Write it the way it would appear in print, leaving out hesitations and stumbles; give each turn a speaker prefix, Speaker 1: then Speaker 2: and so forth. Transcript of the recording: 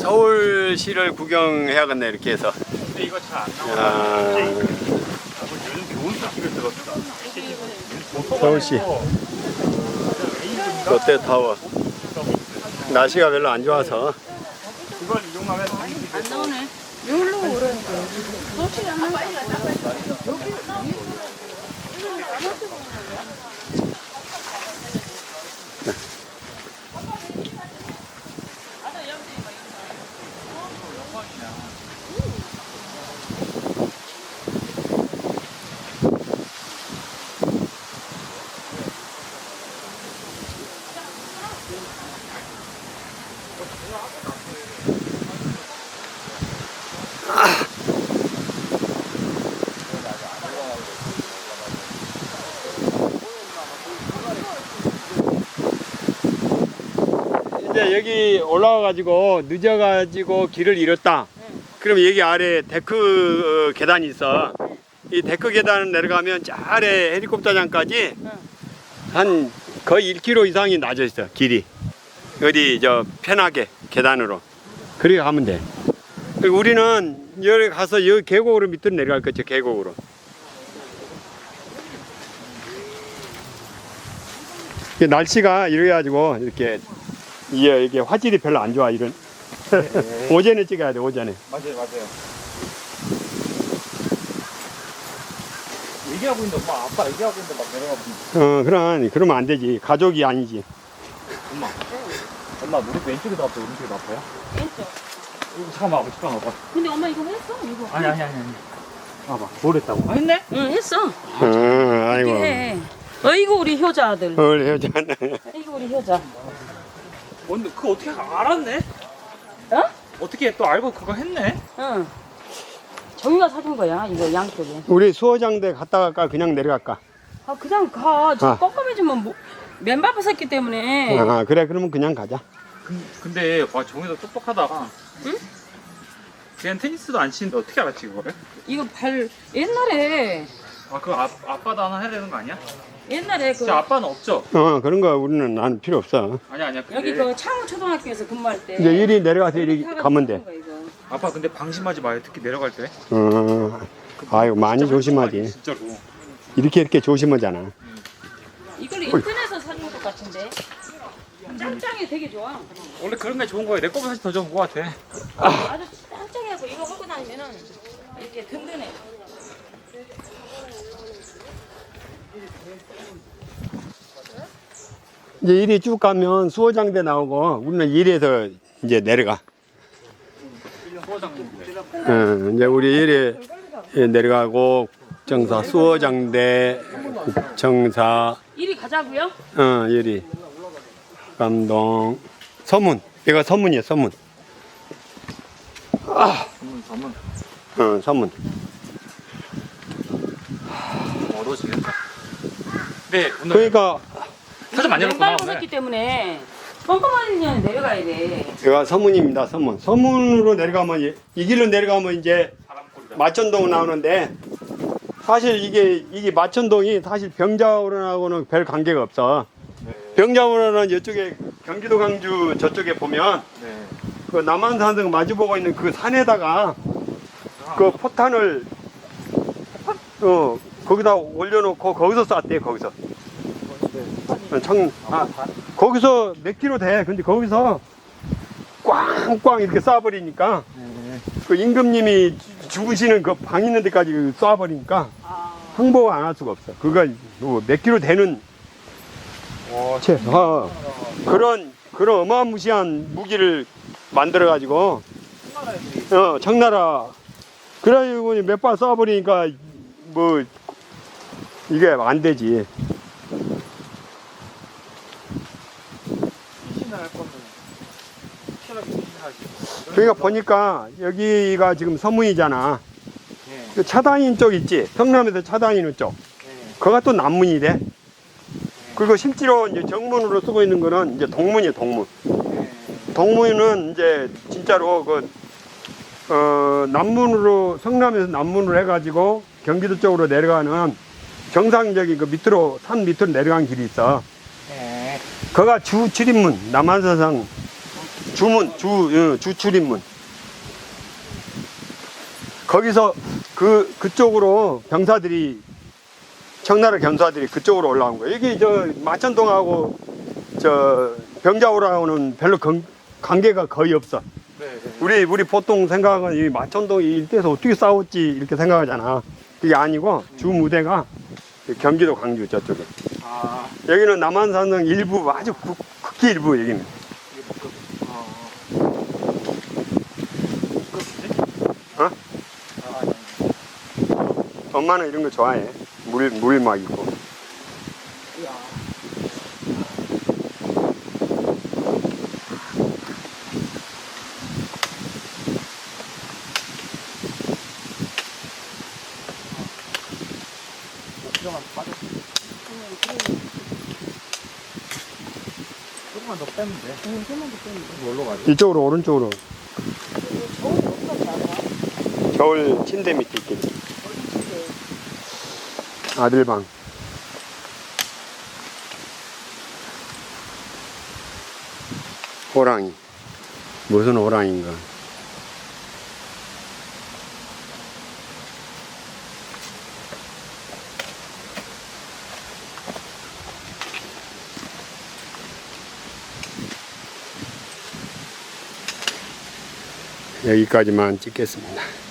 Speaker 1: 서울시를 구경해야겠네 이렇게 해서.
Speaker 2: 근데 이거 잘 안 나와. 요즘 좋은 소식을 들었어.
Speaker 1: 서울시 롯데타워. 날씨가 별로 안 좋아서.
Speaker 2: 이걸 이용하면
Speaker 3: 안 나오네. 여기로 오라니까. 솔직히 안 나와.
Speaker 1: 이제 여기 올라와가지고 늦어가지고 길을 잃었다. 그럼 여기 아래 데크 계단이 있어. 이 데크 계단을 내려가면 저 아래 헬리콥터장까지 한 거의 1km 이상이 낮아 있어 길이. 어디 저 편하게 계단으로 그렇게 가면 돼. 그리고 우리는 여기 가서 여기 계곡으로 밑으로 내려갈 거죠. 계곡으로. 날씨가 이래가지고 이렇게 이게 화질이 별로 안 좋아 이런. 오전에 찍어야 돼 오전에.
Speaker 2: 맞아요. 얘기하고 있는데 엄마 아빠 얘기하고 있는데 막 내려가.
Speaker 1: 그러면 안 되지. 가족이 아니지.
Speaker 2: 엄마 무릎 왼쪽에도 아파요? 오른쪽에도 아파요?
Speaker 3: 왼쪽.
Speaker 2: 잠깐만 봐봐.
Speaker 3: 근데 엄마 이거 했어? 이거.
Speaker 2: 아니. 봐봐. 뭘 했다고? 했네?
Speaker 3: 응, 했어.
Speaker 1: 아이고.
Speaker 3: 해. 어이구 우리 효자 아들.
Speaker 1: 헤어졌네.
Speaker 3: 어이구 우리 효자.
Speaker 2: 근데 그거 어떻게 알았네?
Speaker 3: 어?
Speaker 2: 어떻게 또 알고 그거 했네?
Speaker 3: 응. 정유가 사준 거야 이거 양쪽에.
Speaker 1: 우리 수어장대 갔다 갈까 그냥 내려갈까?
Speaker 3: 아 그냥 가. 저
Speaker 1: 아.
Speaker 3: 껌껌해지면 뭐, 맨발 벗었기 때문에.
Speaker 1: 그래 그러면 그냥 가자.
Speaker 2: 근데 와 정혜도 똑똑하다.
Speaker 3: 응?
Speaker 2: 그냥 테니스도 안 치는데 어떻게 알았지 그거를?
Speaker 3: 이거 발 옛날에
Speaker 2: 아 그거 아빠도 하나 해야 되는 거 아니야?
Speaker 3: 옛날에 그
Speaker 2: 진짜 아빠는 없죠?
Speaker 1: 그런 거 우리는 나는 필요 없어.
Speaker 2: 아니야.
Speaker 3: 여기 그 창우 초등학교에서 근무할 때.
Speaker 1: 이제 이리 내려가서 이리 가면 돼.
Speaker 3: 사준 거, 이거.
Speaker 2: 아빠 근데 방심하지 마요. 특히 내려갈 때.
Speaker 1: 아이고 많이 조심하지.
Speaker 2: 진짜로.
Speaker 1: 이렇게 조심하잖아.
Speaker 3: 이걸 인터넷에서 사준 것 같은데. 짱짱이 되게 좋아.
Speaker 2: 원래 그런 게 좋은 거야. 내 거보다 사실 더 좋은 거 같아.
Speaker 3: 아주 짱짱해서 이거 하고 다니면은 이렇게 든든해.
Speaker 1: 이제 이리 쭉 가면 수어장대 나오고 우리는 이리에서 이제 내려가. 이제 우리 이리 내려가고 국정사 수어장대 국정사
Speaker 3: 이리 가자고요?
Speaker 1: 이리 감동 서문. 이거 서문이야 서문. 서문.
Speaker 2: 어두워지겠다. 네 오늘
Speaker 1: 그러니까
Speaker 2: 사진 많이
Speaker 3: 맨발
Speaker 2: 열었구나
Speaker 3: 벗었기
Speaker 2: 오늘.
Speaker 3: 때문에 껌껌하면 내려가야 돼.
Speaker 1: 여기가 서문입니다. 서문. 서문으로 내려가면 이 길로 내려가면 이제 마천동 나오는데 사실 이게 마천동이 사실 병자호론하고는 별 관계가 없어. 병자호론은 이쪽에 경기도 광주 저쪽에 보면
Speaker 2: 네.
Speaker 1: 그 남한산성 마주보고 있는 그 산에다가 그 포탄을 거기다 올려놓고 거기서 쐈대. 거기서. 거기서 몇 킬로 돼. 근데 거기서 꽝꽝 이렇게 쏴버리니까 그 임금님이 죽으시는 그 방 있는 데까지 쏴버리니까 항복 안 할 수가 없어. 그거 몇 킬로 되는 그런 어마무시한 무기를 만들어 가지고 청나라 그래가지고 몇 발 쏴버리니까 뭐 이게 안 되지. 그러니까 보니까 여기가 지금 서문이잖아. 그 차단인 쪽 있지? 성남에서 차단이는 쪽. 그가 또 남문이 돼. 그리고 실제로 이제 정문으로 쓰고 있는 거는 이제 동문이에요, 동문. 동문은 이제 진짜로 남문으로, 성남에서 남문으로 해가지고 경기도 쪽으로 내려가는 정상적인 그 밑으로, 산 밑으로 내려간 길이 있어. 거가 주 7인문, 남한사상 주출입문. 거기서 그쪽으로 병사들이, 청나라 병사들이 그쪽으로 올라온 거예요. 여기 저 마천동하고 저 병자호랑은 별로 관계가 거의 없어. 우리 보통 생각은 이 마천동 이 일대에서 어떻게 싸웠지 이렇게 생각하잖아. 그게 아니고 주 무대가 경기도 광주 저쪽에. 여기는 남한산성 일부, 아주 극히 일부 여기는. 어? 엄마는 이런 거 좋아해. 물 막 있고.
Speaker 2: 조금만 더 빼면 돼. 뭘로 가지?
Speaker 1: 이쪽으로, 오른쪽으로. 겨울 침대 밑에 있겠지. 아들방. 호랑이. 무슨 호랑이인가. 여기까지만 찍겠습니다.